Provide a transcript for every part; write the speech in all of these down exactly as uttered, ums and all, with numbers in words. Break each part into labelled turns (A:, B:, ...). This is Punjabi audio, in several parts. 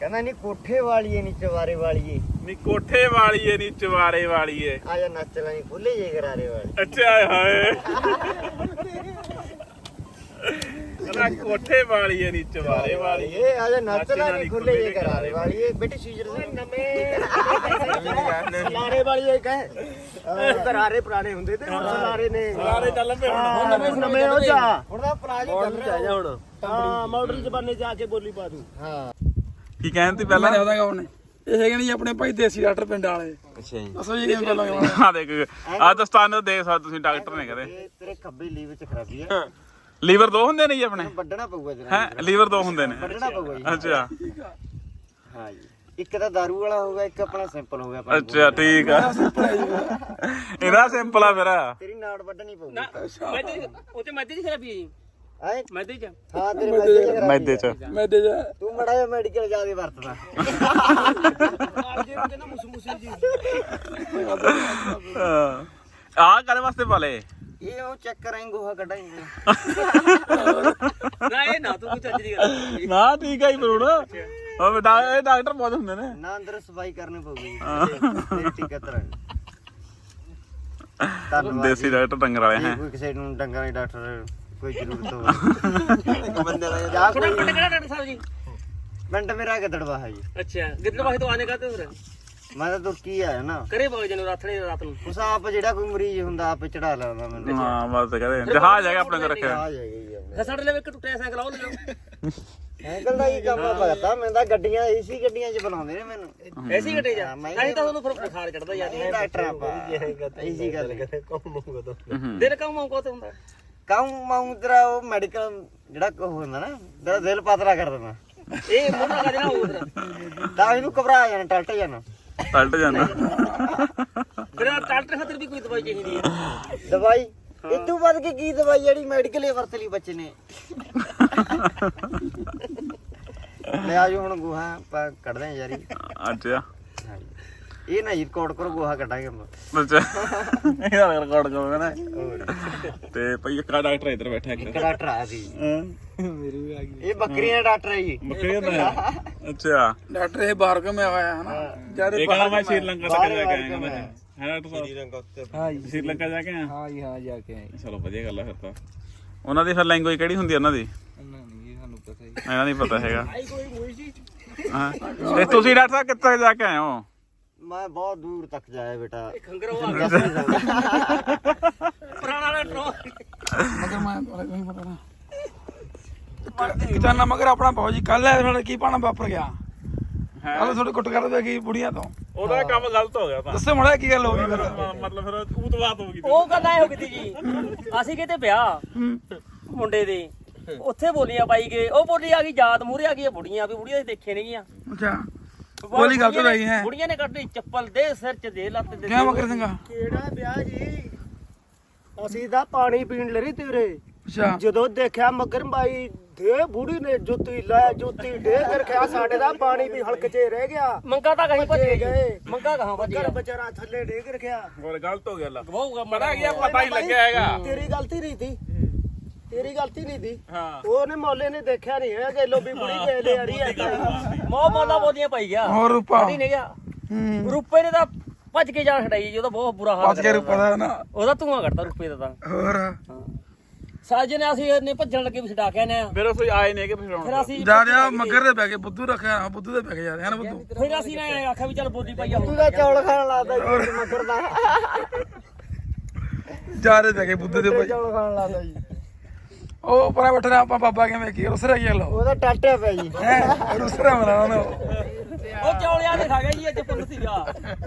A: ਕਹਿੰਦਾ ਨਹੀਂ ਕੋਠੇ ਵਾਲੀਏ ਨਹੀਂ ਚਵਾਰੇ ਵਾਲੀਏ
B: ਨਹੀਂ ਕੋਠੇ ਵਾਲੀਏ ਨਹੀਂ ਚਵਾਰੇ ਵਾਲੀਏ
A: ਆ ਜਾ ਨੱਚ ਲਾਈ ਖੁੱਲੇ ਜੇ ਕਰਾਰੇ ਵਾਲੀ
B: ਅੱਛਾ ਹਾਏ ਕਹਿੰਦਾ ਕੋਠੇ ਵਾਲੀਏ ਨਹੀਂ ਚਵਾਰੇ ਵਾਲੀਏ
A: ਆ ਜਾ ਨੱਚ ਲਾਈ ਖੁੱਲੇ ਜੇ ਕਰਾਰੇ ਵਾਲੀਏ ਬੇਟੀ ਸੀਜਰ ਨਵੇਂ ਲਾਰੇ ਵਾਲੀਏ ਕਹੇ ਕਰਾਰੇ ਪੁਰਾਣੇ ਹੁੰਦੇ ਤੇ ਹੁਣ ਲਾਰੇ ਨੇ
B: ਸਾਰੇ ਚੱਲ ਪਏ ਹੁਣ
A: ਨਵੇਂ ਨਵੇਂ ਹੋ ਜਾ ਹੁਣ ਤਾਂ ਪੁਰਾਣੇ ਚੱਲ ਰਿਹਾ ਹੁਣ ਹਾਂ ਮਾਡਲ ਜ਼ਮਾਨੇ ਚ ਆ ਕੇ ਬੋਲੀ ਪਾ ਦੂੰ ਹਾਂ
B: ਕੀ ਕਹਿੰਦੇ ਪਹਿਲਾਂ
C: ਉਹਦਾ ਕੌਣ ਨੇ ਇਹ ਹੈਗੇ ਨਹੀਂ ਆਪਣੇ ਭਾਈ ਦੇਸੀ ਡਾਕਟਰ ਪਿੰਡ ਵਾਲੇ।
A: ਅੱਛਾ ਜੀ
C: ਦੱਸੋ ਜੀ ਕਿਵੇਂ ਪਹਿਲਾਂ
B: ਆ ਦੇਖ ਆ ਦਸਤਾਨੇ ਦੇਖ ਸਕਦੇ ਤੁਸੀਂ ਡਾਕਟਰ ਨੇ ਕਹਦੇ
A: ਇਹ ਤੇਰੇ ਖੱਬੇ ਲੀਵ ਵਿੱਚ ਖਰਾਬੀ ਹੈ
B: ਲੀਵਰ ਦੋ ਹੁੰਦੇ ਨੇ ਜੀ ਆਪਣੇ
A: ਵੱਢਣਾ ਪਊਗਾ ਜਰਾ
B: ਹੈ ਲੀਵਰ ਦੋ ਹੁੰਦੇ ਨੇ
A: ਵੱਢਣਾ ਪਊਗਾ ਜੀ
B: ਅੱਛਾ
A: ਹਾਂ ਜੀ ਇੱਕ ਤਾਂ ਦਾਰੂ ਵਾਲਾ ਹੋਊਗਾ ਇੱਕ ਆਪਣਾ ਸਿੰਪਲ ਹੋ ਗਿਆ
B: ਅੱਛਾ ਠੀਕ ਆ ਇਹਦਾ ਸਿੰਪਲ ਆ ਮੇਰਾ
A: ਤੇਰੀ ਨਾੜ ਵੱਢਣੀ ਪਊਗੀ
D: ਮੈਦੇ ਉਹ ਤੇ ਮੈਦੇ ਦੀ ਖਰਾਬੀ ਹੈ ਜੀ
A: ਹੈ
D: ਮੈਦੇ ਚ
A: ਹਾਂ ਤੇਰੇ ਮੈਦੇ ਚ ਖਰਾਬੀ
B: ਮੈਦੇ ਚ
C: ਮੈਦੇ ਜਾ
A: ਤੂੰ ਮੜਾ ਜਿਹਾ ਮੈਡੀਕਲ ਜਿਆਦਾ ਵਰਤਦਾ
D: ਜੇ ਕਹਿੰਦਾ ਮੁਸ ਮੁਸੀ ਜੀ
B: ਆ ਕਾਲੇ ਵਾਸਤੇ ਪਾਲੇ
A: ਇਹ ਉਹ ਚੈੱਕ ਕਰਾਂਗੇ ਗੋਹਾ ਕੱਢਾਂਗੇ
D: ਨਾ ਇਹ ਨਾ ਤੂੰ ਕੋਈ ਚੱਜ ਦੀ ਗੱਲ
B: ਨਾ ਠੀਕ ਆ ਜੀ ਬਰੂੜ ਉਹ ਇਹ ਡਾਕਟਰ ਬਹੁਤ ਹੁੰਦੇ ਨੇ
A: ਨਾ ਅੰਦਰ ਸਫਾਈ ਕਰਨੀ ਪਊਗੀ ਤੇਰੀ ਟਿਕਟ ਤਰਾਂ ਧੰਨਵਾਦ
B: ਦੇਸੀ ਡਾਕਟਰ ਡੰਗਰ ਵਾਲੇ ਹੈ
A: ਕੋਈ ਕਿਸੇ ਨੂੰ ਡੰਗਰਾਂ ਦੇ ਡਾਕਟਰ ਕੋਈ ਜ਼ਰੂਰਤ ਹੋਵੇ ਬੰਦੇ ਦਾ ਜਾ
D: ਥੋੜਾ
A: ਕੋਈ
D: ਪਿੰਡ ਕਿਹੜਾ ਡਾਕਟਰ ਸਾਹਿਬ ਜੀ
A: ਪਿੰਡ ਮੇਰਾ ਗਿੱਦੜਵਾ ਹੈ ਜੀ
D: ਅੱਛਾ ਗਿੱਦੜ ਵਾਹੇ ਤੋਂ ਆਨੇ ਕਾਤੇ ਫਿਰ
A: ਮੈਂ ਤਾਂ ਤੁਰਕੀ ਆਇਆ ਨਾ
D: ਕਰੇ ਬਾਗ ਜਨ ਰਾਤਣੇ ਰਾਤ ਨੂੰ
A: ਉਸ ਆਪ ਜਿਹੜਾ ਕੋਈ ਮਰੀਜ਼ ਹੁੰਦਾ ਆਪੇ ਚੜਾ ਲੈਂਦਾ ਮੈਨੂੰ
B: ਹਾਂ ਬਸ ਕਹਿੰਦੇ ਜਹਾਜ਼ ਹੈਗਾ ਆਪਣੇ ਕੋਲ ਰੱਖਿਆ
A: ਆ ਜਾਏਗਾ ਜੀ ਆਪਣੇ
D: ਫਿਰ ਸਾਡੇ ਲਈ ਇੱਕ ਟੁੱਟਿਆ ਸਾਈਕਲ ਆਉ ਲਿਓ
A: ਸਾਈਕਲ ਦਾ ਹੀ ਕੰਮ ਪਤਾ ਮੈਂ ਤਾਂ ਗੱਡੀਆਂ ਏਸੀ ਗੱਡੀਆਂ 'ਚ ਬਣਾਉਂਦੇ ਨੇ ਮੈਨੂੰ
D: ਐਸੀ ਗੱਡੇ ਜਾ ਨਹੀਂ ਤਾਂ ਤੁਹਾਨੂੰ ਫਿਰ ਬੁਖਾਰ ਚੜਦਾ ਯਾਰ
A: ਇਹ ਡਾਕਟਰ ਆਪਾਂ ਏਸੀ ਗੱਲ
D: ਦਿਲ ਕੰਮ ਆਉ ਕੋਤ ਹੁੰਦਾ
A: ਕੰਮ ਮਾਉਂ ਤੇਰਾ ਉਹ ਮੈਡੀਕਲ ਜਿਹੜਾ ਕੋ ਹੁੰਦਾ ਨਾ ਤੇਰਾ ਦਿਲ ਪਤਲਾ ਕਰ ਦਿੰਦਾ
D: ਇਹ ਮੋਟਾ ਕਰ ਦੇਣਾ ਉਧਰ
A: ਤਾਂ ਇਹਨੂੰ ਘਬਰਾ ਜਾਣਾ ਟਲਟ ਜਾਣਾ
B: ਪਲਟ ਜਾਂਦਾ
D: ਫਿਰ ਡਾਕਟਰ ਖਾਤਰ ਵੀ ਕੋਈ ਦਵਾਈ ਚਾਹੀਦੀ ਹੈ
A: ਦਵਾਈ ਇਦੋਂ ਵੱਧ ਕੇ ਕੀ ਦਵਾਈ ਜਿਹੜੀ ਮੈਡੀਕਲ ਹੀ ਵਰਤ ਲਈ ਬੱਚੇ ਨੇ ਲੈ ਆਜੋ ਹੁਣ ਗੋਹਾ ਆਪਾਂ ਕੱਢਦੇ ਆਂ ਯਾਰੀ
B: ਅੱਛਾ
A: ਇਹ ਨਾ ਰਿਕਾਰਡ ਕਰੋ ਗੋਹਾ ਕੱਢਾਂਗੇ ਆਪਾਂ
B: ਅੱਛਾ ਇਹਦਾ ਰਿਕਾਰਡ ਕਰੋਗੇ ਨਾ ਤੇ ਭਈ ਇੱਕ ਡਾਕਟਰ ਇੱਧਰ ਬੈਠਾ ਇੱਕ
A: ਇੱਕ ਡਾਕਟਰ ਆਇਆ ਸੀ
C: ਮੇਰੀ ਵੀ ਆ ਗਈ
A: ਇਹ ਬੱਕਰੀਆਂ ਦਾ ਡਾਕਟਰ ਹੈ ਜੀ
B: ਬੱਕਰੀ ਦਾ ਅੱਛਾ
C: ਡਾਕਟਰ ਇਹ ਬਾਹਰ ਕੋ ਮੈਂ ਆਇਆ ਹੈ ਨਾ ਜਦ
B: ਇਹ ਕਹਿੰਦਾ ਮੈਂ ਸ਼੍ਰੀਲੰਕਾ ਤੱਕ ਜਾ ਕੇ ਆਇਆ ਕਹਿੰਦਾ ਹੈ ਡਾਕਟਰ ਸਾਹਿਬ
C: ਹਾਂ ਜੀ
B: ਸ਼੍ਰੀਲੰਕਾ ਜਾ ਕੇ ਆਇਆ
C: ਹਾਂ ਜੀ ਹਾਂ ਜਾ ਕੇ ਆਏ
B: ਚਲੋ ਵਧੀਆ ਗੱਲ ਆ ਫਿਰ ਤਾਂ ਉਹਨਾਂ ਦੀ ਫਿਰ ਲੈਂਗੁਏਜ ਕਿਹੜੀ ਹੁੰਦੀ ਉਹਨਾਂ ਦੀ
C: ਨਹੀਂ ਨਹੀਂ ਸਾਨੂੰ ਪਤਾ ਹੀ
B: ਇਹਨਾਂ ਨਹੀਂ ਪਤਾ ਹੈਗਾ ਹਾਂ ਤੇ ਤੁਸੀਂ ਡਾਕਟਰ ਸਾਹਿਬ ਕਿੱਥੇ ਜਾ ਕੇ ਆਏ ਹੋ
A: ਮੈਂ ਬਹੁਤ ਦੂਰ ਤੱਕ ਜਾਇਆ ਬੇਟਾ
D: ਖੰਗਰ ਉਹ ਆ ਗਿਆ ਪੁਰਾਣਾ ਡਾਕਟਰ
C: ਮਗਰ ਮੈਂ ਨਹੀਂ ਪਤਾ ਨਾ ਕਿਤਾ ਨਾ ਮਗਰ ਆਪਣਾ ਬਹੁਤ ਜੀ ਕੱਲ ਹੈ ਕੀ ਪਾਣਾ ਵਾਪਰ ਗਿਆ ਕੱਲ ਥੋੜੇ ਕੁੱਟ ਕਰ ਦੇ ਗਈ ਬੁੜੀਆਂ ਤੋਂ
B: ਉਹਦਾ ਕੰਮ ਗਲਤ ਹੋ ਗਿਆ ਤਾਂ
C: ਦੱਸੇ ਮੜਾ ਕੀ ਗੱਲ ਹੋ ਗਈ ਫਿਰ
B: ਮਤਲਬ ਫਿਰ ਉਤਵਾਤ ਹੋ ਗਈ
D: ਉਹ ਗੱਲ ਐ ਹੋ ਗਈ ਜੀ ਅਸੀਂ ਕਿਤੇ ਵਿਆਹ ਮੁੰਡੇ ਦੇ ਉੱਥੇ ਬੋਲੀਆਂ ਪਾਈ ਗਏ ਉਹ ਬੋਲੀ ਆ ਗਈ ਯਾਦ ਮੂਹਰੇ ਆ ਗਈ ਬੁੜੀਆਂ ਵੀ ਬੁੜੀਆਂ ਦੇਖੇ ਨਹੀਂ ਗੀਆਂ
C: ਅੱਛਾ ਬੋਲੀ ਗਲਤ ਰਹੀ ਹੈ
D: ਬੁੜੀਆਂ ਨੇ ਕੱਢੀ ਚੱਪਲ ਦੇ ਸਿਰ ਚ ਦੇ ਲੱਤ ਦੇ
C: ਕਿਆ ਮਗਰ ਸਿੰਘਾ
A: ਕਿਹੜਾ ਵਿਆਹ ਜੀ ਅਸੀਂ ਤਾਂ ਪਾਣੀ ਪੀਣ ਲਈ ਤੇਰੇ
C: ਅੱਛਾ
A: ਜਦੋਂ ਦੇਖਿਆ ਮਗਰ ਬਾਈ ਦੇ ਬੁੜੀ ਨੇ ਜੁੱਤੀ ਲੈ ਜੁੱਤੀ ਡੇ ਕੇ ਰੱਖਿਆ ਸਾਡੇ ਦਾ ਪਾਣੀ ਵੀ ਹਲਕ 'ਚ ਰਹਿ ਗਿਆ
D: ਮੰਗਾ ਤਾਂ ਕਹੀਂ ਭੱਜ
A: ਗਏ
D: ਗਏ ਮੰਗਾ ਕਹਾਂ ਭੱਜ
A: ਮਗਰ
D: ਗਿਆ
A: ਵਿਚਾਰਾ ਥੱਲੇ ਡੇ ਕੇ ਰੱਖਿਆ
B: ਹੋਰ ਗਲਤ ਹੋ ਗਿਆ ਲਾ
D: ਗਵਾਊਗਾ
B: ਪਤਾ ਕੀ ਆ ਪਤਾ ਹੀ ਲੱਗਿਆ ਹੈਗਾ
A: ਤੇਰੀ ਗਲਤੀ ਨਹੀਂ ਸੀ ਤੇਰੀ ਗਲਤੀ ਨਹੀਂ ਸੀ
B: ਹਾਂ
A: ਉਹਨੇ ਮੌਲੇ ਨੇ ਦੇਖਿਆ ਨਹੀਂ ਹੈ ਕਿ ਲੋਬੀ ਬੁੜੀ ਦੇ ਲੈ ਆ ਰਹੀ ਹੈ
D: ਮੋਹ ਬੋਲਾ ਬੋਲੀਆਂ ਪਾਈ ਗਿਆ
C: ਹੋਰ ਰੂਪਾ
D: ਨਹੀਂ ਗਿਆ
C: ਹੂੰ
D: ਰੁਪਏ ਨੇ ਤਾਂ ਭੱਜ ਕੇ ਜਾਨ ਛਡਾਈ ਜੀ ਉਹਦਾ ਬਹੁਤ ਬੁਰਾ ਹਾਲ
C: ਪੱਜ ਕੇ ਰੂਪਾ ਦਾ ਨਾ
D: ਉਹਦਾ ਧੂਆਂ ਕੱਢਦਾ ਰੁਪਏ ਦਾ ਤਾਂ
C: ਹੋਰ
D: ਸਾਜੇ ਨੇ ਅਸੀਂ ਨੇ ਭੱਜਣ ਲੱਗੇ ਵੀ ਛਡਾ ਕੇ ਆਨੇ ਆ
B: ਫਿਰ ਉਹ ਆਏ ਨੇ ਕਿ ਫਿਰ
D: ਫਿਰ ਅਸੀਂ
C: ਜਾ ਰਿਹਾ ਮਗਰ ਦੇ ਬੈ ਕੇ ਬੁੱਧੂ ਰੱਖਿਆ ਬੁੱਧੂ ਦੇ ਬੈ ਕੇ ਜਾ ਰਿਹਾ ਨਾ ਬੁੱਧੂ
D: ਫਿਰ ਅਸੀਂ ਨੇ ਆਖਿਆ ਵੀ ਚੱਲ ਬੋਲੀ ਪਾਈ ਆ
A: ਤੂੰ ਤਾਂ ਚੌਲ ਖਾਣ ਲੱਗਦਾ ਜੀ ਮਗਰ ਦਾ
C: ਜਾ ਰਹੇ ਬੈ ਕੇ ਬੁੱਧੂ ਦੇ ਭਾਈ
A: ਚੌਲ ਖਾਣ ਲੱਗਦਾ ਜੀ
C: ਉਹ ਪਰਾ ਬੈਠਾ ਆਪਾਂ ਬਾਬਾ ਕਿਵੇਂ ਕੀ ਰੁਸਰਾ ਗਿਆ ਲੋ
A: ਉਹਦਾ ਟਾਟਿਆ ਪਿਆ ਜੀ
C: ਹੈ ਰੁਸਰਾ ਮਨਾ ਉਹਨੂੰ
D: ਉਹ ਚੌਲਿਆਂ ਦੇ ਖਾ ਗਿਆ ਜੀ ਅੱਜ ਪੁੰਨ ਸੀਗਾ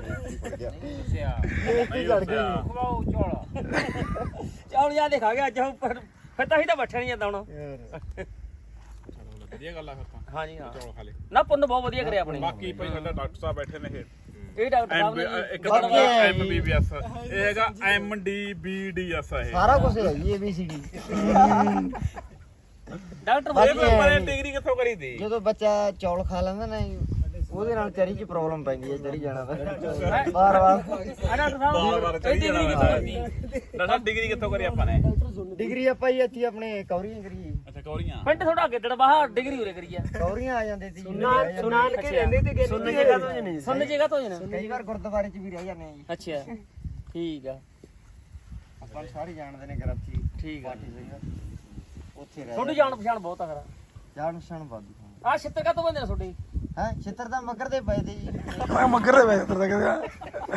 A: ਬੇਇੱਜ਼ਤੀ ਲੜ ਗਈ
D: ਖਵਾਓ ਚੌਲ ਚੌਲਿਆਂ ਦੇ ਖਾ ਗਿਆ ਅੱਜ ਫਿਰ ਫਿਰ ਤਾਂ ਅਸੀਂ ਤਾਂ ਬੈਠੇ ਨਹੀਂ ਜਾਂਦਾ ਹੁਣ
B: ਵਧੀਆ ਗੱਲ ਆ ਫਿਰ ਤਾਂ
D: ਹਾਂਜੀ ਹਾਂ
B: ਚੌਲ ਖਾ ਲੇ
D: ਨਾ ਪੁੰਨ ਬਹੁਤ ਵਧੀਆ ਕਰਿਆ ਆਪਣੇ
B: ਬਾਕੀ ਭਾਈ ਸਾਡਾ ਡਾਕਟਰ ਸਾਹਿਬ ਬੈਠੇ ਨੇ ਇਹ
D: ਇਹ ਡਾਕਟਰ ਸਾਹਿਬ ਨੇ
B: ਇੱਕ ਤਾਂ ਐਮ ਬੀ ਬੀ ਐਸ ਇਹ ਹੈਗਾ M D B D S ਇਹ
A: ਸਾਰਾ ਕੁਝ ਹੈ ਜੀ A B C D
D: doctor
B: ਇਹ
D: ਵਧੀਆ
B: ਪੇਪਰ ਇਹ ਡਿਗਰੀ ਕਿੱਥੋਂ ਕਰੀ ਤੀ
A: ਜਦੋਂ ਬੱਚਾ ਚੌਲ ਖਾ ਲੈਂਦਾ ਨਾ ਜੀ, ਉਹਦੇ ਨਾਲ ਚਰੀ 'ਚ ਪ੍ਰੋਬਲਮ ਪੈਂਦੀ ਹੈ ਚਰੀ ਜਾਣਾ ਤਾਂ ਬਾਰ ਬਾਰ
D: ਆ ਡਾਕਟਰ ਸਾਹਿਬ
B: ਬਾਰ ਬਾਰ ਚੜੀ ਜਾਣਾ ਡਾਕਟਰ ਸਾਹਿਬ ਡਿਗਰੀ ਕਿੱਥੋਂ ਕਰੀ ਆਪਾਂ ਨੇ
A: ਡਿਗਰੀ ਆਪਾਂ ਹੀ ਇੱਥੇ ਆਪਣੇ ਕੌਰੀਆਂ ਕਰੀ
B: ਅੱਛਾ ਕੌਰੀਆਂ
D: ਪਿੰਡ ਥੋੜਾ ਅੱਗੇ ਡੜਵਾਹਾ ਡਿਗਰੀ ਉਰੇ ਕਰੀ ਆ
A: ਕੌਰੀਆਂ ਆ ਜਾਂਦੇ ਸੀ ਸੁਨਾਨ ਕੇ ਰਹਿੰਦੇ ਤੇ ਸੁਣਨ ਜਗ੍ਹਾ ਤੋਂ ਨਹੀਂ
D: ਸੁਣਨ ਜਗ੍ਹਾ ਤੋਂ ਜਣਾ
A: ਕਈ ਵਾਰ ਗੁਰਦੁਆਰੇ 'ਚ ਵੀ ਰਹਿ ਜਾਂਦੇ ਆ ਜੀ
D: ਅੱਛਾ ਠੀਕ ਆ
A: ਆਪਾਂ ਸਾਰੇ ਜਾਣਦੇ ਨੇ ਗ੍ਰੰਥੀ
D: ਠੀਕ ਆ
A: ਉੱਥੇ ਰਹਿ
D: ਤੁਹਾਡੀ ਜਾਣ ਪਛਾਣ ਬਹੁਤ ਆ ਖਰਾ
A: ਜਾਣ ਪਛਾਣ ਬਾਦੂ
D: ਆ ਛਿੱਤਰ ਕਾ ਤੋਂ ਬੰਦੇ ਨੇ ਤੁਹਾਡੀ
A: ਹੈ ਛਿੱਤਰ ਦਾ ਮੱਗਰ ਦੇ ਪਏ ਤੇ ਜੀ
C: ਮੈਂ ਮੱਗਰ ਦੇ ਵੇ ਤਰ ਕਹਿੰਦਾ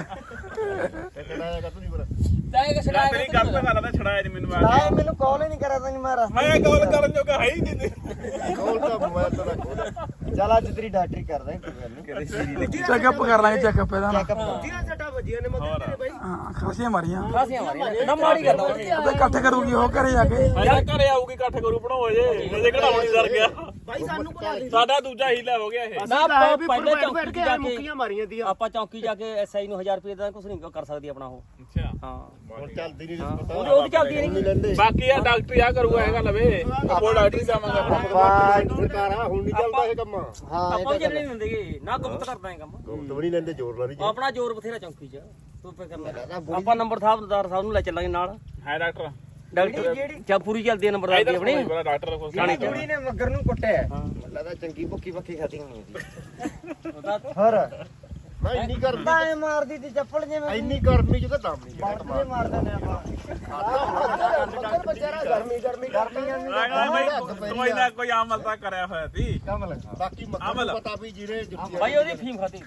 D: ਤਾਂ ਇਹ ਛੜਾਇਆ
B: ਤੇਰੀ ਗੱਲ ਤਾਂ ਗੱਲ ਤਾਂ ਛੜਾਇਆ ਨਹੀਂ ਮੈਨੂੰ
A: ਆ ਮੈਨੂੰ ਕਾਲ ਹੀ ਨਹੀਂ ਕਰਿਆ ਤਾਂ ਮੈਂ ਰਸਤੇ
B: ਮੈਂ ਕਾਲ ਕਰਨ ਜੋਗਾ ਹੈ ਹੀ ਨਹੀਂ
A: ਕਾਲ ਤਾਂ ਮੋਬਾਈਲ ਤੋਂ ਰੱਖੋ ਚੱਲ ਅੱਜ ਤੇਰੀ ਡਾਕਟਰੀ ਕਰਦਾ ਕੋਈ ਗੱਲ ਨਹੀਂ
C: ਚੈੱਕਅਪ ਕਰ ਲਾਂਗੇ ਚੈੱਕਅਪ ਇਹਦਾ ਨਾ
A: ਚੈੱਕਅਪ ਤੀਰਾ ਸੱਟਾ ਵੱਜੀਆਂ ਨੇ ਮੱਗਰ ਤੇਰੇ ਬਾਈ
C: ਹਾਂ ਖਾਸੀਆਂ ਮਾਰੀਆਂ
D: ਖਾਸੀਆਂ ਮਾਰੀਆਂ ਨਾ ਮਾੜੀ ਗੱਲ
C: ਉਹਦੇ ਇਕੱਠ ਕਰੂਗੀ ਉਹ ਘਰੇ ਜਾ ਕੇ
B: ਯਾਰ ਘਰੇ ਆਊਗੀ ਇਕੱਠ ਕਰੂ ਬਣਾਓ ਜੇ ਅਜੇ ਕਢਾਉਣ ਨਹੀਂ ਸਰ ਗਿਆ
A: ਬਾਈ ਸਾਨੂੰ ਬੁਲਾ ਲੈ
B: ਸਾਡਾ ਦੂਜਾ ਹੀਲਾ ਹੋ ਗਿਆ ਇਹ
D: ਨਾ ਆਪਾਂ ਪਹਿਲਾਂ ਚੌਂਕੀ
A: ਕੇ
D: ਜਾ
A: ਮੁੱਕੀਆਂ ਮਾਰੀਆਂ ਦੀਆਂ
D: ਕੇ ਆਪਾਂ ਚੌਂਕੀ ਜਾ ਕੇ ਐਸਆਈ ਨੂੰ ਹਜ਼ਾਰ ਰੁਪਏ ਦਾ ਕੁਝ ਨਹੀਂ ਕਰ ਸਕਦੀ ਆਪਣਾ ਉਹ
B: ਅੱਛਾ
D: ਹਾਂ
A: ਹੁਣ ਚੱਲਦੀ ਨਹੀਂ
D: ਉਹਦੀ ਉਹਦੀ ਚੱਲਦੀ ਨਹੀਂ
B: ਬਾਕੀ ਆ ਡਾਕਟਰ ਆ ਕਰੂਗਾ ਹੈਗਾ ਲਵੇ ਆਪੋ ਡਾਕਟਰ ਜਾਵਾਂਗੇ
A: ਆਪਾਂ ਸਰਕਾਰਾਂ ਹੁਣ ਨਹੀਂ ਚੱਲਦਾ ਇਹ ਕੰਮ ਹਾਂ
D: ਆਪਾਂ ਵੀ ਚੱਲਣੇ ਨਹੀਂ ਹੁੰਦੇਗੇ ਨਾ ਗੁਪਤ ਕਰਦਾ ਇਹ ਕੰਮ
A: ਗੁਪਤ ਵੀ ਨਹੀਂ ਲੈਂਦੇ ਜ਼ੋਰ ਲਾ ਨਹੀਂ
D: ਆਪਣਾ ਜ਼ੋਰ ਬਥੇਰਾ ਚੌਂਕੀ 'ਚ ਤੂੰ ਪੇ ਕਰਨਾ ਆਪਾਂ ਨੰਬਰ ਸਾਹਿਬਦਾਰ ਸਾਹਿਬ ਨੂੰ ਲੈ ਚੱਲਾਂਗੇ ਨਾਲ
B: ਹੈ ਡਾਕਟਰ
D: ਡਾਕਟਰ ਜਾਂ ਪੂਰੀ ਚੱਲਦੀ ਹੈ ਨੰਬਰਦਾਰ ਦੀ ਆਪਣੀ
B: ਬੜਾ ਡਾਕਟਰ ਕੋਲ
A: ਸਾਡੀ ਕੁੜੀ ਨੇ ਮੱਗਰ ਨੂੰ ਕੁੱਟਿਆ ਲੱਗਦਾ ਚੰਗੀ ਭੁੱਕੀ ਭੱਕੀ ਖਾਤੀ ਹੋਣੀ ਸੀ ਹੋਰ ਮੈਂ ਇੰਨੀ ਕਰਦਾ ਐ ਮਾਰਦੀ ਤੇ ਚੱਪਲ ਜਿਵੇਂ ਇੰਨੀ ਗਰਮੀ ਚ ਤਾਂ ਦਮ ਨਹੀਂ ਜਿਹੜਾ ਮਾਰਦਾ ਨੇ ਆਪਾਂ ਬੱਚਾ ਗਰਮੀ ਗਰਮੀ ਗਰਮੀ
B: ਕੋਈ ਨਾ ਕੋਈ ਅਮਲ ਤਾਂ ਕਰਿਆ ਹੋਇਆ ਸੀ
A: ਕਮਲ ਬਾਕੀ ਮੱਗਰ ਨੂੰ ਪਤਾ ਵੀ ਜੀਰੇ ਜੁੱਤੀ
D: ਭਾਈ ਉਹਦੀ ਫੀਮ ਖਾਤੀ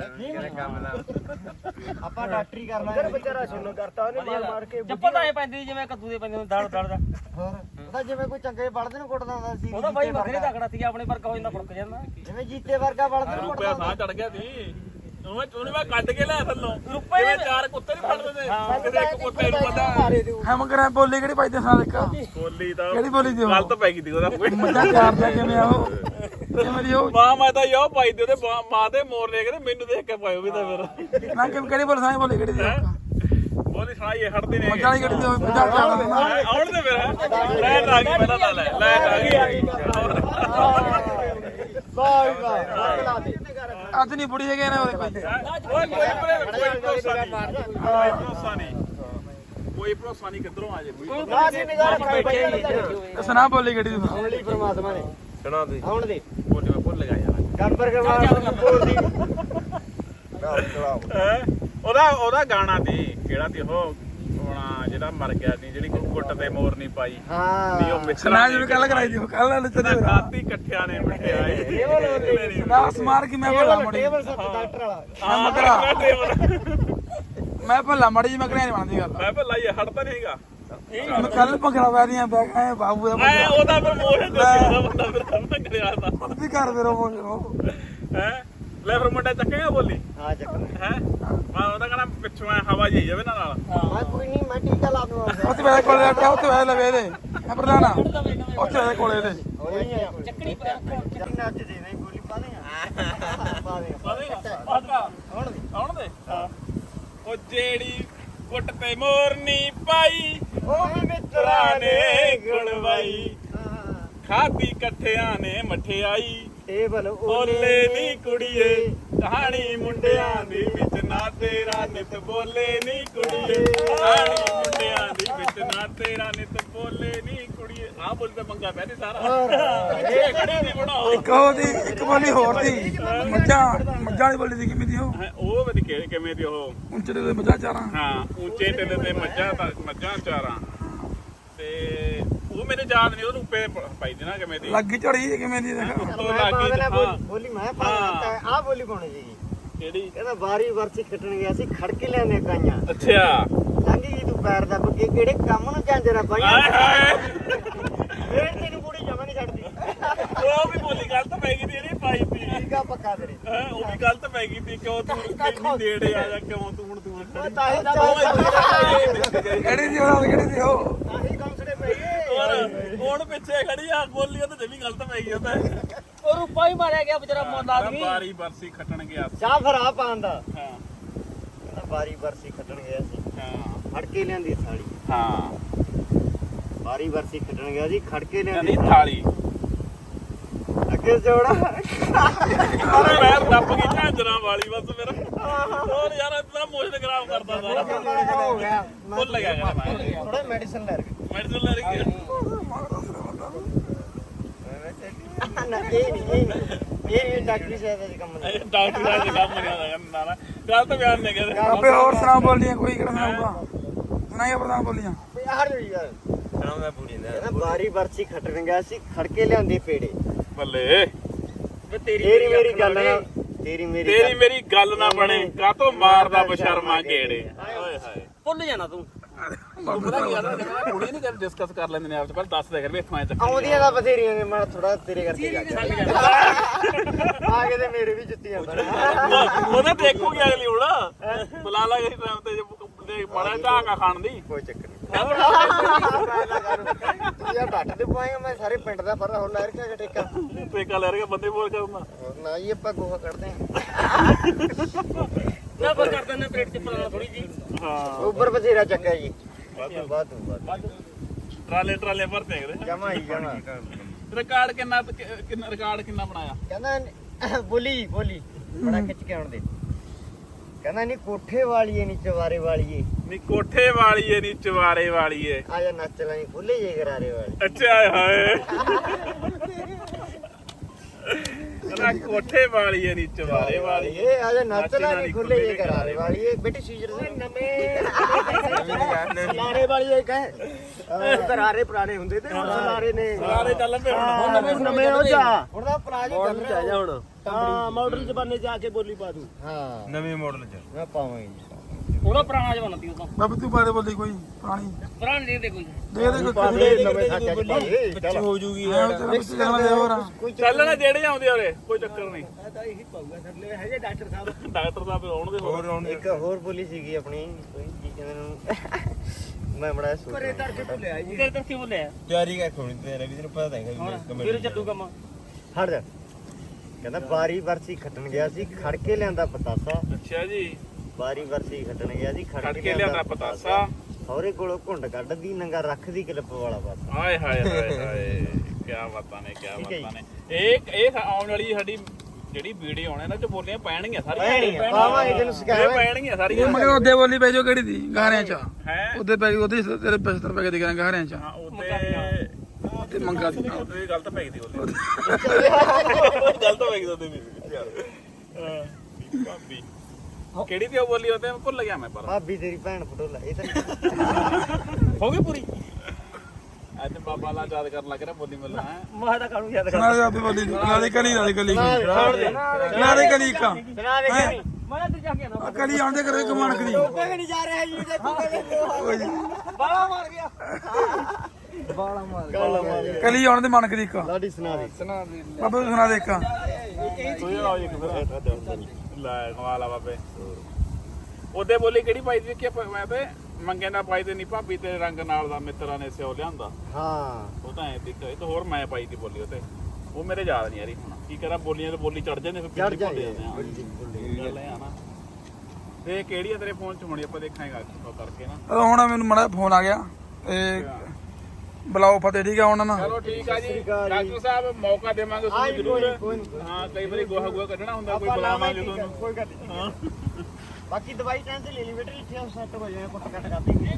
A: ਆਪਾਂ ਡਾਕਟਰੀ ਕਰ ਲਾਂਗੇ ਵਿਚਾਰਾ ਸੁਣਨ ਕਰਤਾ ਉਹਨੇ ਮਾਰ ਮਾਰ ਕੇ
D: ਚੱਪਲ ਤਾਂ ਐ ਪੈਂਦੀ ਜਿਵੇਂ ਕੱਦੂ ਦੇ ਪੈਂਦੇ ਹੁੰਦੇ ਦੜ ਦੜ ਦਾ
A: ਹੋਰ ਉਹਦਾ ਜਿਵੇਂ ਕੋਈ ਚੰਗੇ ਬਲਦ ਨੂੰ ਕੁੱਟਦਾ ਹੁੰਦਾ ਸੀ
D: ਉਹਦਾ ਭਾਈ ਵੱਖਰੇ ਤਕੜਾ ਸੀ ਆਪਣੇ ਵਰਗਾ ਹੋ ਜਾਂਦਾ ਫੁੜਕ ਜਾਂਦਾ
A: ਜਿਵੇਂ ਜੀਤੇ ਵਰਗਾ ਬਲਦ ਨੂੰ
B: ਰੁਪਿਆ
A: ਕੁੱਟਦਾ
B: ਸਾਹ ਚੜ ਗਿਆ ਸੀ ਉਹਨੇ ਉਹਨੇ ਮੈਂ ਕੱਢ ਕੇ ਲਿਆ ਥੱਲੋਂ
D: ਰੁਪਏ
B: ਜਿਵੇਂ ਚਾਰ ਕੁੱਤੇ ਨਹੀਂ ਫੜਦੇ ਨੇ ਕਿਤੇ ਇੱਕ ਕੁੱਤੇ ਨੂੰ ਪਤਾ
C: ਹੈ ਮਗਰ ਬੋਲੀ ਕਿਹੜੀ ਪਾਈ ਤੇ ਸਾਲ ਇੱਕ
B: ਬੋਲੀ ਤਾਂ
C: ਕਿਹੜੀ ਬੋਲੀ ਦੀ ਉਹ
B: ਗਲਤ ਪੈ ਗਈ ਸੀ ਉਹਦਾ
C: ਮੱਝਾਂ ਚਾਰਦਾ ਕਿਵੇਂ ਆ ਉਹ ਕਿਵੇਂ ਦੀ ਉਹ
B: ਮਾਂ ਮੈਂ ਤਾਂ ਯੋ ਪਾਈ ਦੇ ਉਹਦੇ ਮਾਂ- ਮਾਂ ਦੇ ਮੋਰ ਲੈ ਕੇ ਤੇ ਮੈਨੂੰ ਦੇਖ ਕੇ ਪਾਇਓ ਵੀ ਤਾਂ ਫਿਰ
C: ਨਾ ਕਿ ਕਿਹੜੀ ਬੋਲ ਸਾਈ ਬੋਲੀ ਕਿਹੜੀ ਦੀ ਉਹ?
B: ਬੋਲੀ ਸੁਣਾਈ ਹਟਦੇ ਨੇ
C: ਮੱਝਾਂ ਵਾਲੀ ਕਿਹੜੀ ਦੀ ਉਹ ਮੱਝਾਂ ਚਾਰਦਾ
B: ਹੈਂ, ਆਉਣ ਦੇ ਫਿਰ ਲੈਟ ਆ ਗਈ ਪਹਿਲਾਂ ਤਾਂ ਲੈ ਲੈਟ ਆ ਗਈ
A: ਵਾਹ ਵਾਹ ਦੇ
C: ਅੱਜ ਨਹੀਂ ਬੁੜੀ ਹੈਗੇ ਨਾ ਉਹਦੇ ਕੋਈ
B: ਓਏ ਕੋਈ ਭਰੇ- ਕੋਈ ਭਰੋਸਾ ਨਹੀਂ ਕੋਈ ਭਰੋਸਾ ਨਹੀਂ ਕੋਈ ਭਰੋਸਾ ਨਹੀਂ ਕਿੱਧਰੋਂ ਆ ਜੇ ਕੋਈ
A: ਨਾ ਸੀ ਨਿਗਾਹ ਰੱਖਾਂ
C: ਤੇ ਸੁਣਾ ਬੋਲੀ ਕਿਹੜੀ ਦੀ
A: ਆਉਣ ਲਈ ਪ੍ਰਮਾਤਮਾ ਨੇ
B: ਸੁਣਾ ਦੇ
A: ਆਉਣ ਦੇ
B: ਬੋਲੀ ਮੈਂ ਭੁੱਲ ਗਿਆ ਯਾਰ
A: ਗੜਬੜ ਕਰਵਾ ਬੋਲਦੀ
B: ਹੈਂ? ਉਹਦਾ ਉਹਦਾ ਗਾਣਾ ਸੀ ਕਿਹੜਾ ਸੀ ਉਹ ਹੋਣਾ ਜਿਹੜਾ ਮਰ ਗਿਆ ਸੀ ਜਿਹੜੀ ਗੁੱਟ ਤੇ ਮੋਰ ਨਹੀਂ ਪਾਈ
A: ਹਾਂ
B: ਨਹੀਂ ਉਹ ਮਿੱਤਰਾਂ
C: ਸੁਣਾ ਜਿਵੇਂ ਕੱਲ ਕਰਾਈ ਦੀ ਕੱਲ ਨਾਲ ਚੱਲੇ
B: ਖਾਤੀ ਇਕੱਠਿਆਂ ਨੇ ਮਠਿਆਈ
C: ਨਾ ਸਮਾਰ ਕੀ ਮੈਂ ਭੱਲਾ ਮੜੀ
A: ਟੇਬਲ ਸੱਤ ਡਾਕਟਰ ਵਾਲਾ
B: ਹਾਂ
C: ਮਗਰਾ ਮੈਂ ਭੱਲਾ ਮੜੀ ਜੀ ਮੈਂ ਕਰਿਆ ਨਹੀਂ ਬਣਦੀ ਗੱਲ
B: ਮੈਂ ਭੱਲਾ ਇਹ ਹਟਦਾ ਨਹੀਂ ਹੈਗਾ
C: ਮੈਂ ਕੱਲ ਭੰਗੜਾ ਵੈਦੀਆਂ ਬੈ ਗਏ ਬਾਬੂ ਦਾ
B: ਐ ਉਹਦਾ ਪ੍ਰਮੋਸ਼ਨ ਤੇ ਉਹਦਾ ਬੰਦਾ ਫਿਰ ਆਪਣਾ ਕਰਿਆ ਦਾ
C: ਵੀ ਕਰ ਫਿਰ ਉਹ
B: ਹੈ ਲੈ ਫਿਰ ਮੁੰਡਾ ਚੱਕੇਗਾ ਬੋਲੀ
A: ਹਾਂ ਚੱਕਰ
B: ਹੈ ਮੈਂ ਉਹਦਾ ਕਹਣਾ ਪਿੱਛੋਂ ਐ ਹਵਾ ਜਾਈ ਜਾਵੇ ਨਾ ਨਾਲ
A: ਮੈਂ ਕੋਈ ਨਹੀਂ ਮੈਂ ਟੀਕਾ ਲਾ ਦੂੰਗਾ
C: ਉੱਥੇ ਵੇ ਕੋਲੇ ਰੱਖਿਆ ਉੱਥੇ ਵੇ ਲਵੇ ਇਹਦੇ ਹੈ ਪ੍ਰਧਾਨਾ ਉੱਥੇ ਵੇ ਕੋਲੇ ਇਹਦੇ
A: ਚੱਕਣੀ ਚੱਕਣੀ ਨੱਚ ਦੇ ਨਹੀਂ ਗੋਲੀ ਪਾ ਦੇਗਾ ਪਾ ਦੇਗਾ
B: ਆਉਣ ਦੇ ਆਉਣ ਦੇ ਉਹ ਜਿਹੜੀ ਗੁੱਟ ਤੇ ਮੋਰਨੀ ਪਾਈ
A: ਉਹ
B: ਮਿੱਤਰਾਂ ਨੇ ਗੁਣਵਾਈ ਖਾਦੀ ਇਕੱਠਿਆਂ ਨੇ ਮਠਿਆਈ
A: ਟੇਬਲ
B: ਬੋਲੇ ਨੀ ਕੁੜੀਏ ਕਹਾਣੀ ਮੁੰਡਿਆਂ ਦੀ ਵਿੱਚ ਨਾ ਤੇਰਾ ਨਿਤ ਬੋਲੇ ਨੀ ਕੁੜੀਏ ਕਹਾਣੀ ਮੁੰਡਿਆਂ ਦੀ ਵਿੱਚ ਨਾ ਤੇਰਾ ਨਿਤ ਬੋਲੇ ਨੀ ਕੁੜੀਏ ਆਹ ਬੋਲ ਤੇ ਮੰਗਾ ਪਹਿਲੇ ਸਾਰਾ ਇਹ ਖੜੀ ਦੀ ਬਣਾਓ
C: ਇੱਕ ਉਹਦੀ ਇੱਕ ਬੋਲੀ ਹੋਰ ਦੀ ਮੱਝਾਂ ਮੱਝਾਂ ਵਾਲੀ ਬੋਲੀ ਦੀ ਕਿਵੇਂ ਦੀ ਉਹ
B: ਹੈਂ, ਉਹ ਵੀ ਕਿ- ਕਿਵੇਂ ਦੀ ਉਹ
C: ਉੱਚੇ ਦੇ ਮੱਝਾਂ ਚਾਰਾਂ
B: ਹਾਂ ਉੱਚੇ ਟਿੱਲੇ ਤੇ ਮੱਝਾਂ ਤਾਂ ਮੱਝਾਂ ਚਾਰਾਂ ਤੇ ਉਹ ਮੇਰੇ ਯਾਦ ਨਹੀਂ ਉਹਨੂੰ ਉੱਪਰ ਪਾਈ ਦੀ ਨਾ ਕਿਵੇਂ ਦੀ
C: ਲੱਗੀ ਝੜੀ ਕਿਵੇਂ ਦੀ ਦੇਖ
B: ਉੱਤੋਂ
A: ਮੈਂ
B: ਲੱਗ
A: ਪਾ
B: ਗਈ
A: ਦੇਣਾ
B: ਹਾਂ
A: ਬੋਲੀ ਮੈਂ ਪਾ ਦੇਣਾ ਆ ਬੋਲੀ ਪਾਉਣੀ ਜੀ
B: ਕਿਹੜੀ
A: ਕਹਿੰਦਾ ਵਾਰੀ ਵਰਸੀ ਖੱਟਣ ਗਿਆ ਸੀ ਖੜਕੇ ਲਿਆਨੇ ਕਾਈਆਂ
B: ਅੱਛਾ
A: ਲੰਘ ਗਈ ਤੂੰ ਪੈਰ ਦਾ ਬੱਗੇ ਕਿਹੜੇ ਕੰਮ ਨੂੰ ਝਾਂਜਰਾ ਪਾਈਆਂ
B: ਹਾਏ ਹਾਏ
A: ਫੇਰ ਤੈਨੂੰ ਬੁੜੀ ਜਮਾ ਨਹੀਂ ਛੱਡਦੀ
B: ਉਹ ਵੀ ਬੋਲੀ ਗਲਤ ਪੈ ਗਈ ਤੀ ਇਹਨੇ ਪਾਈ ਤੀ
A: ਠੀਕ ਆ ਪੱਕਾ ਤੇਰੇ
B: ਹੈਂ, ਉਹ ਵੀ ਗਲਤ ਪੈ ਗਈ ਤੀ ਕਿਉਂ ਤੂੰ ਇੰਨੀ ਨੇੜੇ ਆ ਜਾ ਕਿਉਂ ਤੂੰ ਹੁਣ ਤੂੰ
A: ਉਹ ਤਾਂ ਹੀ ਤਾਂ
C: ਕਿਹੜੀ ਦੀ ਉਹ ਕਿਹੜੀ ਦੀ ਉਹ
A: ਹੀ ਕੌਂਸੜੇ ਪਈ
B: ਹੋਰ ਹੁਣ ਪਿੱਛੇ ਖੜੀ ਆ ਬੋਲੀ ਉਹ ਤੇ ਜਮੀ ਗਲਤ ਪੈ ਗਈ ਉਹ ਤਾਂ
D: ਉਹ ਰੂਪਾ ਹੀ ਮਾਰਿਆ ਗਿਆ ਵਿਚਾਰਾ ਮੁੱਲ ਆਦਮੀ
B: ਬਾਰੀ ਬਰਸੀ ਖੱਟਣ ਗਿਆ ਸੀ।
A: ਚਾਹ ਫਿਰ ਆ ਪਾਉਂਦਾ
B: ਹਾਂ
A: ਕਹਿੰਦਾ ਵਾਰੀ ਵਰਸੀ ਖੱਟਣ ਗਿਆ ਸੀ
B: ਹਾਂ
A: ਖੜਕੇ ਲਿਆਂਦੀ ਥਾਲੀ
B: ਹਾਂ
A: ਵਾਰੀ ਵਰਸੀ ਖੱਟਣ ਗਿਆ ਸੀ ਖੜਕੇ
B: ਕਹਿੰਦੀ
A: ਲਿਆਂਦੀ
B: ਥਾਲੀ
A: ਅੱਗੇ ਜੋੜਾ
B: ਅਰੇ ਮੈਂ ਦੱਬ ਗਈ ਝਾਂਜਰਾਂ ਵਾਲੀ ਬਸ ਮੇਰਾ ਹੋਰ ਯਾਰ ਇਤਨਾ ਮੋਸ਼ਨ ਖਰਾਬ ਕਰਦਾ ਸਾਰਾ
A: ਹੋ ਗਿਆ
B: ਭੁੱਲ ਗਿਆ ਕਹਿੰਦਾ ਮੈਂ
A: ਥੋੜਾ ਮੈਡੀਸਨ ਲੈ ਰਿਹਾ
B: ਮੈਡੀਸਨ ਲੈ ਰਹੀ
A: ਨਾ ਇਹ ਨਹੀਂ ਇਹ ਨਹੀਂ। ਇਹ ਡਾਕਟਰੀ ਸਾਹਿਬ ਦਾ ਕੰਮ ਨਹੀਂ।
B: ਡਾਕਟਰ ਦਾ ਕੰਮ ਨਹੀਂ ਆਦਾ ਨਾ ਨਾ ਗੱਲ ਤਾਂ ਬਿਆਨ ਨਹੀਂ ਕਰਦੇ
C: ਆਪੇ ਹੋਰ ਸੁਣਾ ਬੋਲੀਆਂ ਕੋਈ ਕਿਹੜਾ ਸੁਣਾਊਗਾ ਸੁਣਾਈਆ ਪ੍ਰਧਾਨ ਬੋਲੀਆਂ
A: ਹਟ ਜਾ ਯਾਰ ਸੁਣਾਉਂਦਾ ਪੂਰੀ ਨਾ ਕਹਿੰਦਾ ਬਾਰੀ ਵਰਸੀ ਖੱਟਣ ਗਿਆ ਸੀ ਖੜਕੇ ਲਿਆਂਦੇ ਪੇੜੇ
B: ਬੱਲੇ
D: ਵੇ ਤੇਰੀ
A: ਤੇਰੀ ਮੇਰੀ ਗੱਲ ਨਾ ਤੇਰੀ ਮੇਰੀ
B: ਤੇਰੀ ਮੇਰੀ ਗੱਲ ਨਾ ਬਣੇ ਕਾਤੋਂ ਮਾਰਦਾ ਬਸ਼ਰਮਾ ਗੇੜੇ ਓਏ ਹਾਏ
D: ਭੁੱਲ ਜਾਣਾ ਤੂੰ
B: ਪਤਾ ਕੀ ਗੱਲ ਹੈ ਕੁੜੀ ਨਹੀਂ ਕਰ ਡਿਸਕਸ ਕਰ ਲੈਂਦੇ ਨੇ ਆਪ ਚ ਪਹਿਲਾਂ ਦੱਸ ਦੇ ਕਰ ਵੀ ਇੱਥੋਂ ਆਏ ਚੱਕ
A: ਆਉਂਦੀਆਂ ਤਾਂ ਬਥੇਰੀਆਂ ਨੇ ਮੈਂ ਥੋੜਾ ਤੇਰੇ ਕਰਕੇ ਜਾ ਕੇ ਆ ਕੇ ਤੇ ਮੇਰੇ ਵੀ ਜੁੱਤੀਆਂ ਬਣ
B: ਉਹਨੇ ਦੇਖੂਗੀ ਅਗਲੀ ਹੁਣ ਬੁਲਾ ਲਾ ਗਈ ਟਾਈਮ ਤੇ ਜੇ ਬੜਾ ਢਾਕਾ ਖਾਣ ਦੀ
A: ਕੋਈ ਚੱਕਰ ਨਹੀਂ ਤੂੰ ਯਾਰ ਡੱਟ ਤੇ ਪਾਏਗਾ ਮੈਂ ਸਾਰੇ ਪਿੰਡ ਦਾ ਫਰਦਾ ਹੁਣ ਲੈ ਰਿਹਾ ਠੇਕਾ
B: ਟੇਕਾ ਲੈ ਰਿਹਾ ਬੰਦੇ ਬੋਲ ਕਰਨਾ
A: ਨਾ ਜੀ ਆਪਾਂ ਗੋਹਾ ਕੱਢਦੇ
D: ਨਾ ਪਰ ਕਰ ਦਿੰਦਾ ਪਲੇਟ ਚ ਪਲਾ ਥੋੜੀ ਜੀ
B: ਹਾਂ
A: ਉੱਪਰ ਬਥੇਰਾ ਚੱਕਾ ਜੀ ਵਾਧੂ ਵਾਧੂ
B: ਟਰਾਲੇ ਟਰਾਲੇ ਭਰਤੇ ਹੈਗੇ
A: ਜਮਾ ਹੀ ਜਮਾ
B: ਰਿਕਾਰਡ ਕਿੰਨਾ ਕਿੰਨਾ ਰਿਕਾਰਡ ਕਿੰਨਾ ਬਣਾਇਆ
A: ਕਹਿੰਦਾ ਬੋਲੀ ਬੋਲੀ ਬੜਾ ਖਿੱਚ ਕੇ ਆਉਣ ਦੇ ਕਹਿੰਦਾ ਨਹੀਂ ਕੋਠੇ ਵਾਲੀਏ ਨਹੀਂ ਚਵਾਰੇ ਵਾਲੀਏ
B: ਨੀ ਕੋਠੇ ਵਾਲੀਏ ਨੀ ਚਵਾਰੇ ਵਾਲੀਏ
A: ਆ ਜਾ ਨੱਚ ਲਾਈ ਖੁੱਲੇ ਜੇ ਗਰਾਰੇ ਵਾਲੀ
B: ਅੱਛਾ ਹਾਏ ਨਾ ਕੋਠੇ ਵਾਲੀਏ ਨੀ ਚਵਾਰੇ ਵਾਲੀਏ
A: ਇਹ ਆ ਜਾ ਨੱਚ ਲਾਈ ਖੁੱਲੇ ਜੇ ਗਰਾਰੇ ਵਾਲੀਏ ਬੇਟੀ ਸੀਜਰ ਦੇ ਨਵੇਂ ਲਾਰੇ ਵਾਲੀਏ ਕਹੇ ਗਰਾਰੇ ਪੁਰਾਣੇ ਹੁੰਦੇ ਤੇ ਲਾਰੇ ਨੇ
B: ਸਾਰੇ ਚੱਲ ਪਏ
A: ਹੁਣ ਨਵੇਂ ਨਵੇਂ ਹੋ ਜਾ ਹੁਣ ਤਾਂ ਪਲਾਜ ਚੱਲ ਰਿਹਾ ਜਾ ਹੁਣ
D: ਹਾਂ ਮਾਡਲ ਜ਼ਮਾਨੇ ਜਾ ਕੇ ਬੋਲੀ ਪਾ ਦੂ
A: ਹਾਂ
E: ਨਵੇਂ ਮਾਡਲ ਚ
A: ਮੈਂ ਪਾਵਾਂਗੀ
D: ਉਹਦਾ ਪੁਰਾਣਾ ਜ਼ਮਾਨਾ ਸੀ ਉਹਦਾ
C: ਬਾਬੂ ਤੂੰ ਬਾਰੇ ਬੋਲੀ ਕੋਈ ਪੁਰਾਣੀ
D: ਪੁਰਾਣਾ ਨਹੀਂ ਦੇ ਕੋਈ
C: ਦੇ ਦੇ ਕੋਈ
A: ਪਾਵੇ ਨਵੇਂ ਸਾਚਾ ਚ ਪਾਵੇ
E: ਬੱਚੀ ਹੋ ਜੂਗੀ
C: ਮਿਕਸ ਕਰਨਾ ਦੇ ਹੋਰ
A: ਕੋਈ
B: ਚੱਲ ਨਾ ਜਿਹੜੇ ਆਉਂਦੇ ਹੋਰੇ ਕੋਈ ਚੱਕਰ ਨਹੀਂ
D: ਤਾਂ ਇਹੀ ਪਾਊਗਾ ਥੱਲੇ ਹੈ ਜੇ ਡਾਕਟਰ ਸਾਹਿਬ
B: ਡਾਕਟਰ ਸਾਹਿਬ ਆਉਣਗੇ ਹੋਰ
E: ਹੋਰ ਆਉਣ
A: ਇੱਕ ਹੋਰ ਬੋਲੀ ਸੀਗੀ ਆਪਣੀ ਕੋਈ ਕੀ ਕਹਿੰਦੇ ਨੂੰ ਮੈਂ ਬੜਾ ਸੋਚ
D: ਪਰੇ ਦਰ ਕੇ ਭੁੱਲਿਆ ਜੀ ਤੇਰੇ ਤੋਂ ਕਿਉਂ ਲਿਆ
E: ਤਿਆਰੀ ਕਰ ਖੋਣੀ ਤੇ ਰਵੀ ਤੈਨੂੰ ਪਤਾ ਤਾਂ ਹੈਗਾ
D: ਹੁਣ ਫਿਰ ਚੱਲੂ ਕੰਮ
A: ਹਟ ਜਾ ਕਹਿੰਦਾ ਬਾਰੀ ਵਰਸੀ ਖੱਟਣ ਗਿਆ ਸੀ ਖੜ ਕੇ ਲਿਆਂਦਾ ਪਤਾਸਾ
B: ਅੱਛਾ ਜੀ
A: ਬਾਰੀ ਵਰਸੀ ਖੱਟਣ ਗਿਆ ਸੀ
B: ਖੜ ਕੇ ਲਿਆਂਦਾ ਪਤਾਸਾ
A: ਸਹੁਰੇ ਕੋਲੋਂ ਘੁੰਡ ਕੱਢਦੀ ਨੰਗਾ ਰੱਖਦੀ ਕਲਿੱਪ ਵਾਲਾ ਬਸ
B: ਹਾਏ ਹਾਏ ਹਾਏ ਹਾਏ ਕੀ ਬਾਤਾਂ ਨੇ ਕੀ
A: ਠੀਕ ਹੈ
B: ਬਾਤਾਂ ਨੇ ਇਹ ਇਹ ਆਉਣ ਵਾਲੀ ਸਾਡੀ ਜਿਹੜੀ ਵੀਡੀਓ ਆਉਣੇ ਨਾ ਚ ਬੋਲੀਆਂ ਪੈਣਗੀਆਂ ਸਾਰੀਆਂ
A: ਪੈਣਗੀਆਂ, ਪਾਵਾਂਗੇ ਤੈਨੂੰ
B: ਇਹ
A: ਸਿਖਾਵਾਂਗੇ।
B: ਪੈਣਗੀਆਂ
C: ਇਹ
B: ਸਾਰੀਆਂ
C: ਮਗਰ ਉਹਦੇ ਬੋਲੀ ਪੈ ਜੋ ਕਿਹੜੀ ਦੀ ਗਾਰਿਆਂ ਚ
B: ਹੈ
C: ਉਹਦੇ ਪੈ ਉਹਦੇ ਤੇਰੇ ਪਚੱਤਰ ਪੈ ਕੇ ਦਿਖਾਂ ਗਾਰਿਆਂ ਚ
B: ਹਾਂ ਉਹਦੇ
C: ਤੇ ਮੰਗਾ ਦੀ
B: ਉਹਦੇ ਗਲਤ ਪੈ ਗਈ ਉਹਦੇ ਗਲਤ ਪੈ ਗਈ ਉਹਦੇ ਵੀ ਯਾਰ ਹਾਂ ਭਾਬੀ ਕਿਹੜੀ ਦੀ ਉਹ ਬੋਲੀ ਉਹਦੇ ਮੈਂ ਭੁੱਲ ਗਿਆ ਮੈਂ ਪਰ
A: ਭਾਬੀ ਤੇਰੀ ਭੈਣ ਫੋਟੋ ਲੈ ਇਹ ਤਾਂ
B: ਹੋ ਗਈ ਪੂਰੀ ਅੱਜ ਬਾਬਾ ਲਾ ਯਾਦ ਕਰਨ ਲੱਗ ਰਿਹਾ ਬੋਲੀ ਮੱਲਾ ਹੈ
D: ਮੈਂ ਤਾਂ ਕਾਹਨੂੰ ਯਾਦ
C: ਸੁਣਾ ਦੇ ਆਪੇ ਬੋਲੀ ਸੁਣਾ ਦੇ ਕਲੀ ਲਾ ਦੇ ਕਲੀ
A: ਛੋੜ ਦੇ
C: ਸੁਣਾ ਦੇ ਕਲੀ ਕਾ
A: ਸੁਣਾ ਦੇ ਕਰੀ
D: ਮੈਂ ਤੇ ਜਾ ਕੇ ਨਾ
C: ਕਲੀ ਆਉਂਦੇ ਕਰੇ ਕਮਾਨਕ ਦੀ
A: ਕੋਈ ਨਹੀਂ ਜਾ ਰਿਹਾ ਜੀ
D: ਬਾਲਾ ਮਾਰ ਗਿਆ
A: ਬਾਲਾ ਮਾਰ
C: ਕਲੀ ਆਉਣ ਦੇ ਮਨਕ ਦੀ ਕਾ
A: ਲਾਡੀ ਸੁਣਾ ਦੇ
C: ਬਾਬਾ ਤੂੰ ਸੁਣਾ ਦੇ ਕਾ
B: ਤੂੰ ਆਓ ਇੱਕ ਫਿਰ ਲੈ ਕਮਾਲ ਆ ਬਾਬੇ ਉਹਦੇ ਬੋਲੀ ਕਿਹੜੀ ਪਾਈ ਸੀ ਕਿ ਮੈਂ ਤੇ ਮੰਗੇ ਨਾ ਪਾਈ ਤੇ ਨਹੀਂ ਭਾਬੀ ਤੇਰੇ ਰੰਗ ਨਾਲ ਦਾ ਮਿੱਤਰਾਂ ਨੇ ਸਿਓ ਲਿਆਂਦਾ
A: ਹਾਂ
B: ਉਹ ਤਾਂ ਐ ਦਿੱਕ ਇਹ ਤਾਂ ਹੋਰ ਮੈਂ ਪਾਈ ਦੀ ਬੋਲੀ ਉਹ ਤੇ ਉਹ ਮੇਰੇ ਯਾਦ ਨਹੀਂ ਆ ਰਹੀ ਹੁਣ ਕੀ ਕਰਾਂ ਬੋਲੀਆਂ ਤੇ ਬੋਲੀ ਚੜ ਜਾਂਦੇ ਫਿਰ
A: ਚੜ
B: ਪਿੱਛੇ ਭੁੱਲ
A: ਜਾਂਦੇ
B: ਜਾਂਦੇ ਆ ਗੱਲ ਇਹ ਆ ਨਾ ਤੇ ਕਿਹੜੀ ਆ ਤੇਰੇ ਫੋਨ ਚ ਹੋਣੀ ਆਪਾਂ ਦੇਖਾਂਗੇ ਉਹ ਕਰਕੇ ਨਾ
C: ਉਹ ਹੁਣ ਮੈਨੂੰ ਮੜਾ ਫੋਨ ਆ ਗਿਆ ਤੇ ਬੁਲਾਓ ਫਤਿਹ ਠੀਕ ਆ ਹੁਣ ਨਾ
B: ਚਲੋ ਠੀਕ ਆ ਜੀ
A: ਸਤਿ ਸ਼੍ਰੀ ਅਕਾਲ ਜੀ।
B: ਡਾਕਟਰ ਸਾਹਿਬ ਮੌਕਾ ਦੇਵਾਂਗੇ
A: ਹਾਂ
B: ਤੁਹਾਨੂੰ
A: ਜੀ,
B: ਜ਼ਰੂਰ
A: ਕੋਈ- ਕੋਈ ਨਹੀਂ।
B: ਹਾਂ ਕਈ ਵਾਰੀ ਗੋਹਾ ਗੋਹਾ ਕੱਢਣਾ ਹੁੰਦਾ ਕੋਈ
A: ਆਪਾਂ
B: ਬੁਲਾਵਾਂਗੇ
A: ਲਾਵਾਂਗੇ
B: ਤੁਹਾਨੂੰ
A: ਕੋਈ ਗੱਲ ਨਹੀਂ
B: ਹਾਂ
A: ਬਾਕੀ ਦਵਾਈ ਟਾਈਮ ਤੇ ਲੈ ਲਈ ਬੇਟੇ ਇੱਥੇ ਸੈੱਟ ਹੋ ਜਾਏ ਕੁੱਟ ਕੱਟ ਕਰ ਦੇਂਗੇ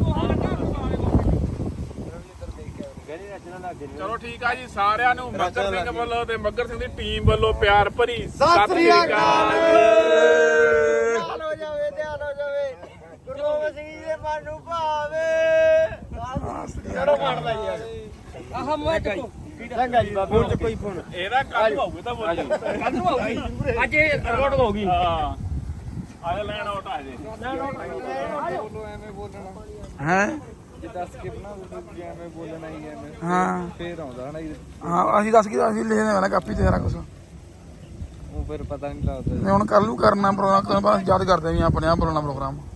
B: ਚਲੋ ਠੀਕ ਆ ਜੀ ਸਾਰਿਆਂ ਨੂੰ ਮੱਗਰ ਸਿੰਘ ਵੱਲੋਂ ਤੇ ਮੱਗਰ ਸਿੰਘ ਦੀ ਟੀਮ ਵੱਲੋਂ ਪਿਆਰ ਭਰੀ
A: ਸਤਿ ਸ੍ਰੀ ਅਕਾਲ ਧਿਆਨ ਹੋ ਜਾਵੇ ਧਿਆਨ ਹੋ ਜਾਵੇ ਗੁਰੂ ਗੋਬਿੰਦ ਸਿੰਘ ਜੀ ਦੇ ਮਨ ਨੂੰ ਭਾਵੇ ਚਲੋ ਮੰਨ ਲਈ ਯਾਰ
D: ਆਹ ਮੈਂ ਚੱਕੋ
A: ਚੰਗਾ ਜੀ ਬਾਬੇ ਹੁਣ ਕੋਈ ਫੋਨ
B: ਇਹਦਾ ਕੱਲ ਹੋਊਗਾ ਤਾਂ ਬੋਲੀ
D: ਕੱਲ ਨੂੰ ਆਉਗੀ ਅੱਜ ਇਹ ਰਿਕਾਰਡ ਹੋਊਗੀ
B: ਹਾਂ ਆਇਆ ਲੈਣ ਆਉਟ ਆ ਜੇ
C: ਹੈ
E: ਜੇ ਦੱਸ ਕੇ ਬਣਾ ਦੋ ਜਿਵੇਂ ਬੋਲਣਾ ਹੀ ਐਵੇਂ
C: ਹਾਂ
E: ਫੇਰ ਆਉਂਦਾ ਹਨਾ ਜੀ।
C: ਹਾਂ ਅਸੀਂ ਦੱਸ ਕੀ ਅਸੀਂ ਲਿਖਦੇ ਵਾਲਾ ਕਾਪੀ ਤੇ ਸਾਰਾ ਕੁਝ
E: ਉਹ ਫਿਰ ਪਤਾ ਨਹੀਂ ਲੱਗਦਾ
C: ਹੁਣ ਕੱਲ ਨੂੰ ਕਰਨਾ ਪ੍ਰੋਗਰਾਮ ਯਾਦ ਕਰਦੇ ਵੀ ਆਪਣੇ ਆਪ ਬੋਲਣਾ ਪ੍ਰੋਗਰਾਮ